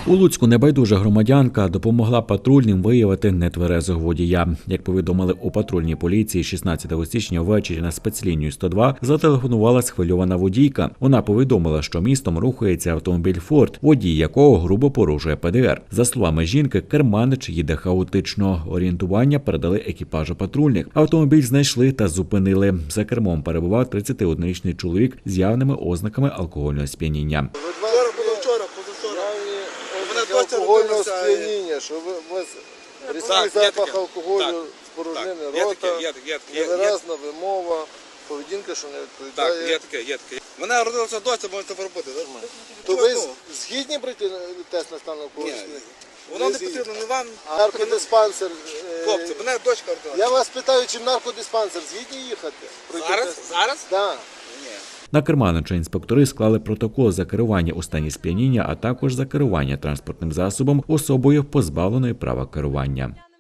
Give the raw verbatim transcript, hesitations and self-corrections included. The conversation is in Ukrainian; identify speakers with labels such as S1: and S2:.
S1: У Луцьку небайдужа громадянка допомогла патрульним виявити нетверезого водія. Як повідомили у патрульній поліції, шістнадцятого січня ввечері на спецлінію сто два зателефонувала схвильована водійка. Вона повідомила, що містом рухається автомобіль «Форд», водій якого грубо порушує Пе Де Ер. За словами жінки, керманич їде хаотично. Орієнтування передали екіпажу патрульних. Автомобіль знайшли та зупинили. За кермом перебував тридцятиоднорічний чоловік з явними ознаками алкогольного сп'яніння.
S2: Вчора, позавчора.
S3: Алкогольного сп'яніння, що ви, у вас різкий запах алкоголю, спорожнини рота, невиразна вимова, поведінка, що не відповідає.
S2: Так, є таке, є таке. Мене родилася доча, можете поробити, нормально.
S3: То ви згідні пройти тест на стан алкоголю?
S2: Воно не потрібно, не вам.
S3: А наркодиспансер?
S2: Хлопці, мене дочка родилася.
S3: Я вас питаю, чи в наркодиспансер згідні їхати?
S2: Зараз? Зараз?
S3: Так.
S1: На керманича інспектори склали протокол за керування у стані сп'яніння, а також за керування транспортним засобом особою, позбавленої права керування.